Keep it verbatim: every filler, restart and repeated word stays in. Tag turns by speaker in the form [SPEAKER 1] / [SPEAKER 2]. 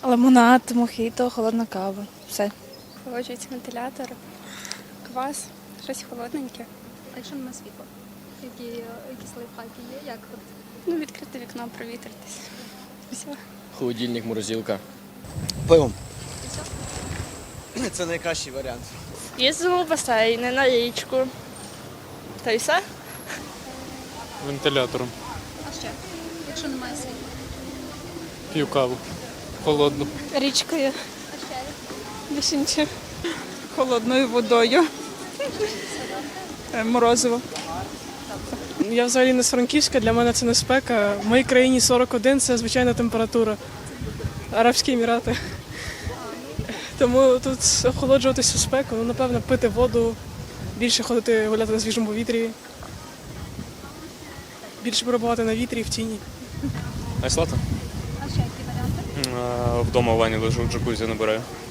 [SPEAKER 1] Лимонад, мохіто, холодна кава. Все.
[SPEAKER 2] Охолоджується вентилятор, квас, щось холодненьке.
[SPEAKER 3] А якщо немає світла? Які, якісь лайфхаки є? Як от?
[SPEAKER 2] Ну, відкрити вікно, провітритись. Все.
[SPEAKER 4] Холодильник, морозилка.
[SPEAKER 5] Пивом. Це найкращий варіант.
[SPEAKER 1] Їздимо в басейни, на річку. Та й все.
[SPEAKER 6] Вентилятором.
[SPEAKER 3] А ще? Якщо немає світла?
[SPEAKER 6] П'ю каву. Холодну.
[SPEAKER 1] Річкою.
[SPEAKER 3] А ще?
[SPEAKER 1] Більше нічого.
[SPEAKER 7] Холодною водою. Е, Морозиво.
[SPEAKER 8] Я взагалі не з Франківська, для мене це не спека. В моїй країні сорок один – це звичайна температура. Арабські Емірати. Тому тут охолоджуватися у спеку, ну, напевно, пити воду, більше ходити гуляти на свіжому повітрі, більше перебувати на вітрі і в тіні.
[SPEAKER 6] Айслата?
[SPEAKER 3] А ще які варіанти?
[SPEAKER 6] Вдома в ванні лежу, джакузі набираю.